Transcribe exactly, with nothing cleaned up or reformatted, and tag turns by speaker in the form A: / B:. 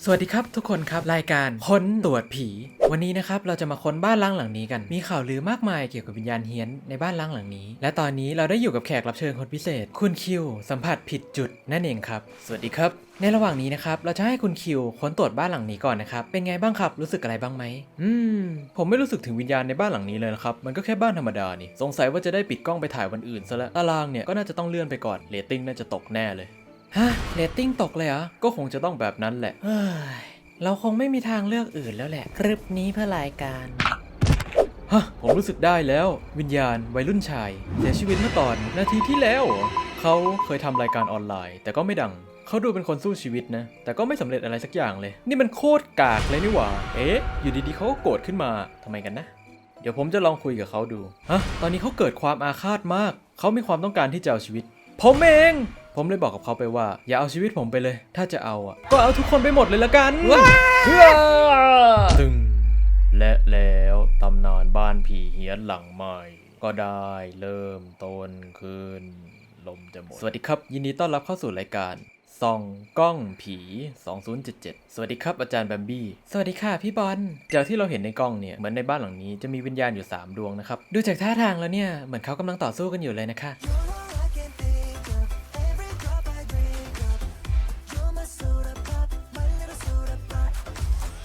A: สวัสดีครับทุกคนครับรายการค้นตรวจผีวันนี้นะครับเราจะมาค้นบ้านล้างหลังนี้กันมีข่าวลือมากมายเกี่ยวกับวิญญาณเฮี้ยนในบ้านล้างหลังนี้และตอนนี้เราได้อยู่กับแขกรับเชิญคนพิเศษคุณคิวสัมผัสผิดจุดนั่นเองครับสวัสดีครับในระหว่างนี้นะครับเราจะให้คุณคิวค้นตรวจบ้านหลังนี้ก่อนนะครับเป็นไงบ้างครับรู้สึกอะไรบ้างไหมอืมผมไม่รู้สึกถึงวิญญาณในบ้านหลังนี้เลยนะครับมันก็แค่บ้านธรรมดานี่สงสัยว่าจะได้ปิดกล้องไปถ่ายวันอื่นซะแล้วตารางเนี่ยก็น่าจะต้องเลื่อนไปก่อนเรตติ้งน่าจะตกแน่เลยฮะเรตติ้งตกเลยเหรอก็คงจะต้องแบบนั้นแหละเฮ้ยเราคงไม่มีทางเลือกอื่นแล้วแหละคลิปนี้เพื่อรายการฮะผมรู้สึกได้แล้ววิญญาณวัยรุ่นชายเสียชีวิตเมื่อตอนนาทีที่แล้วเขาเคยทำรายการออนไลน์แต่ก็ไม่ดังเขาดูเป็นคนสู้ชีวิตนะแต่ก็ไม่สำเร็จอะไรสักอย่างเลยนี่มันโคตรกากเลยนี่หว่าเอ๊ะอยู่ดีๆเขาก็โกรธขึ้นมาทำไมกันนะเดี๋ยวผมจะลองคุยกับเขาดูฮะตอนนี้เขาเกิดความอาฆาตมากเขามีความต้องการที่จะเอาชีวิตผมเองผมเลยบอกกับเขาไปว่าอย่าเอาชีวิตผมไปเลยถ้าจะเอาอ่ะก็เอาทุกคนไปหมดเลยละกันตึงและแล้วตำนานบ้านผีเฮี้ยนหลังใหม่ก็ได้เริ่มต้นขึ้นลมจะหมดสวัสดีครับยินดีต้อนรับเข้าสู่รายการส่องกล้องผีสองพันเจ็ดสิบเจ็ดสวัสดีครับอาจารย์แบมบี้สวัสดีค่ะพี่บอลจากที่เราเห็นในกล้องเนี่ยเหมือนในบ้านหลังนี้จะมีวิญญาณอยู่สามดวงนะครับดูจากท่าทางแล้วเนี่ยเหมือนเขากำลังต่อสู้กันอยู่เลยนะคะ